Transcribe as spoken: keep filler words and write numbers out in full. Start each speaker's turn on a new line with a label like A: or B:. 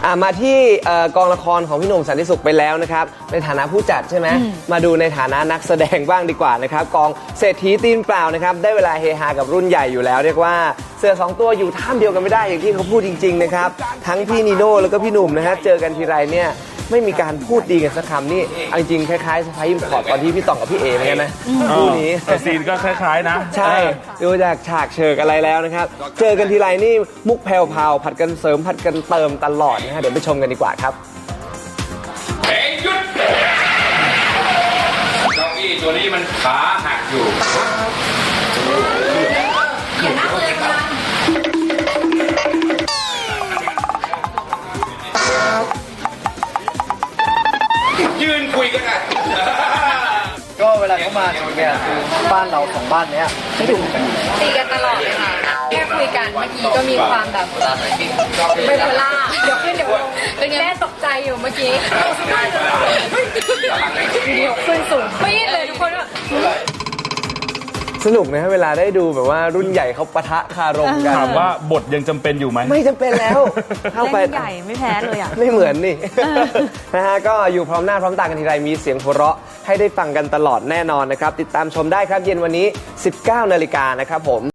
A: อ่ามาที่กองละครของพี่หนุ่มสันติสุขไปแล้วนะครับในฐานะผู้จัดใช่ไหมมาดูในฐานะนักแสดงบ้างดีกว่านะครับกองเศรษฐีตีนเปล่านะครับได้เวลาเฮฮากับรุ่นใหญ่อยู่แล้วเรียกว่าเสือสองตัวอยู่ท่ามเดียวกันไม่ได้อย่างที่เขาพูดจริงๆนะครับทั้งพี่นีโน่แล้วก็พี่หนุ่มนะครับเจอกันทีไรเนี่ยไม่มีการพูดดีกันสักคำนี่เอาจริงๆคล้ายๆสไปซ์ยิมพอร์ตตอนที่พี่ต่องกับพี่เอเหมือนกันนะคู่นี้
B: ซีนก็คล้ายๆนะ
A: ใช่ดูจากฉากเชิกอะไรแล้วนะครับเจอกันทีไรนี่มุกแผ่วๆผัดกันเสริมผัดกันเติมตลอดนะฮะเดี๋ยวไปชมกันดีกว่าครับ
C: เฮ้ยหยุดเก้าอี้ตัวนี้มันขาหักอยู่อย่านั่งเลยค่ะยืนคุยกันอ่ะ
D: ก็เวลาเขามาเนี่ยคือบ้านเราสองบ้านเนี้ยไม่ถูกกัน
E: ตีกันตลอดเลยค่ะแค่คุยกันเมื่อกี้ก็มีความแบบไบโพล่าเดี๋ยวขึ้นเดี๋ยวลงเป็นไงแม่ตกใจอยู่เมื่อกี้เดี๋ยวขึ้นสูงปี๊ดเลยทุกคนว่า
A: สนุกนะเวลาได้ดูแบบว่ารุ่นใหญ่เขาปะทะคารมกัน
B: ถามว่าบทยังจำเป็นอยู่ไหม
A: ไม่จำเป็นแล้วเข้าไป
F: ใหญ่ไม่แพ้เลยอ่ะ
A: ไม่เหมือนนี่นะฮะก็อยู่พร้อมหน้าพร้อมตากันทีไรมีเสียงหัวเราะให้ได้ฟังกันตลอดแน่นอนนะครับติดตามชมได้ครับเย็นวันนี้ สิบเก้านาฬิกานะครับผม